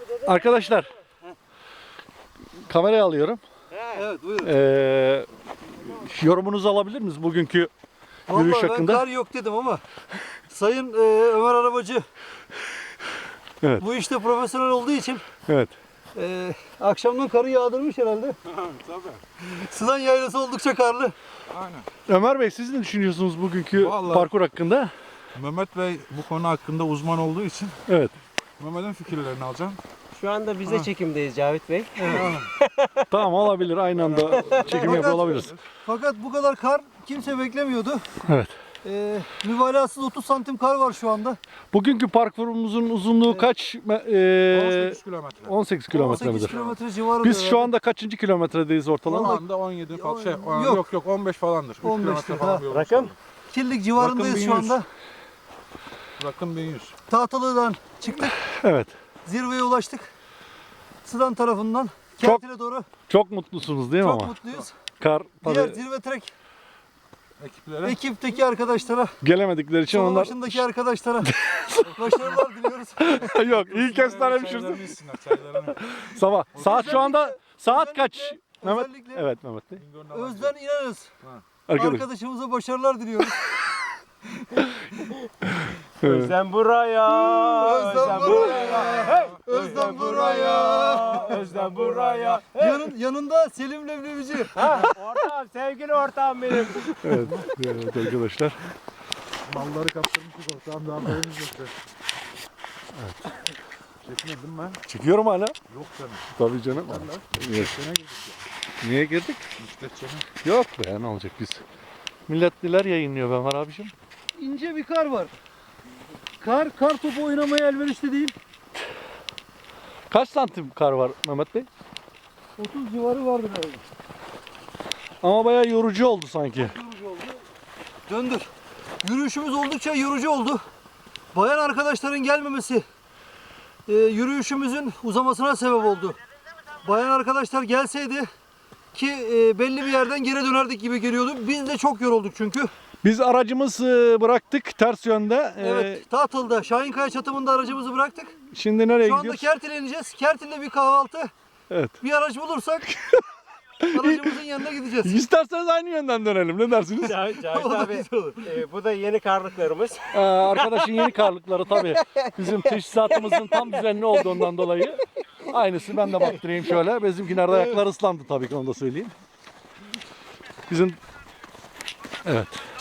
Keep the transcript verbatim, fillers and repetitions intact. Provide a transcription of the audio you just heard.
Arkadaşlar, kamerayı alıyorum. Evet, buyurun. Ee, yorumunuzu alabilir miyiz bugünkü yürüyüş Vallahi hakkında? ben kar yok dedim ama Sayın e, Ömer Arabacı Evet. bu işte profesyonel olduğu için Evet. e, akşamdan karı yağdırmış herhalde. Tabii. Sılan yaylası oldukça karlı. Aynen. Ömer Bey, siz ne düşünüyorsunuz bugünkü Vallahi- parkur hakkında? Mehmet Bey bu konu hakkında uzman olduğu için Evet. Mehmet'in fikirlerini alacağım. Şu anda biz de Ha. çekimdeyiz Cavit Bey. Tamam, olabilir. Aynı anda çekim yapıyor olabiliriz. Fakat bu kadar kar kimse beklemiyordu. Evet. E, mübalağasız otuz santim kar var şu anda. Bugünkü parkurumuzun uzunluğu kaç? on Ee, sekiz kilometre. on sekiz kilometre on sekiz midir? kilometre civarı. Biz şu anda kaçıncı kilometredeyiz ortalama? Şu anda on yedi falan şey, Yok. yok yok, yok on beş falandır. üç on beş kilometre ha. falan bir yol. Rakım? Kirlik civarındayız Rakım şu bin yüz. anda. Rakım bin yüz. Tahtalı'dan çıktık. Evet. Zirveye ulaştık. Sıdan tarafından Çok- Kertil'e doğru. Çok mutlusunuz değil mi Çok ama? mutluyuz. Kar Diğer tabii zirve trek Ekiplere ekipteki arkadaşlara, gelemedikleri için yol onlar... başındaki arkadaşlara başarılar diliyoruz. Yok, iyi kestanemişiz. çaylarını içsinler, çaylarını. Sabah. Saat şu anda saat kaç? Özellikle- Mehmet. özellikle Evet Mehmet Bey. Bingöl'ün alan- Özden inanırız. Arkadaş. Arkadaşımıza başarılar diliyoruz. Özlem buraya. Özlem buraya. Özlem buraya. Özlem buraya. Yanın, yanında Selim Leblebici. Ha, ortağım, sevgili ortağım benim. Evet, evet arkadaşlar. Malları kaptırmışız ortağım, daha haberimiz yoktu. Evet. Çekmedin ben. Çekiyorum hala. Yok canım. Tabii canım. Evet. Sene girdik ya. Niye girdik? Müstet sene. Yok be, ne olacak biz. Milletliler yayınlıyor ben var abicim. İnce bir kar var. Kar, kar topu oynamaya elverişli değil. Kaç santim kar var Mehmet Bey? otuz civarı vardır herhalde. Ama bayağı yorucu oldu sanki. Yorucu oldu. Döndür. Yürüyüşümüz oldukça yorucu oldu. Bayan arkadaşların gelmemesi e, yürüyüşümüzün uzamasına sebep oldu. Bayan arkadaşlar gelseydi ki e, belli bir yerden geri dönerdik gibi geliyordu. Biz de çok yorulduk çünkü. Biz aracımızı bıraktık ters yönde. Ee, Evet, Tahtalı'da Şahinkaya çatımında aracımızı bıraktık. Şimdi nereye Şu anda gidiyoruz? Kertil'e ineceğiz. Kertil'de bir kahvaltı. Evet. Bir araç bulursak aracımızın yanına gideceğiz. İsterseniz aynı yönden dönelim. Ne dersiniz? Cavit, Cavit O da abi, güzel olur. e, bu da yeni karlıklarımız. Ee, arkadaşın yeni karlıkları tabii. Bizim teşhisatımızın tam düzenli olduğundan dolayı. Aynısı, ben de baktırayım şöyle. Bizimkiler de ayakları ıslandı tabii ki, onu da söyleyeyim. Bizim... Evet.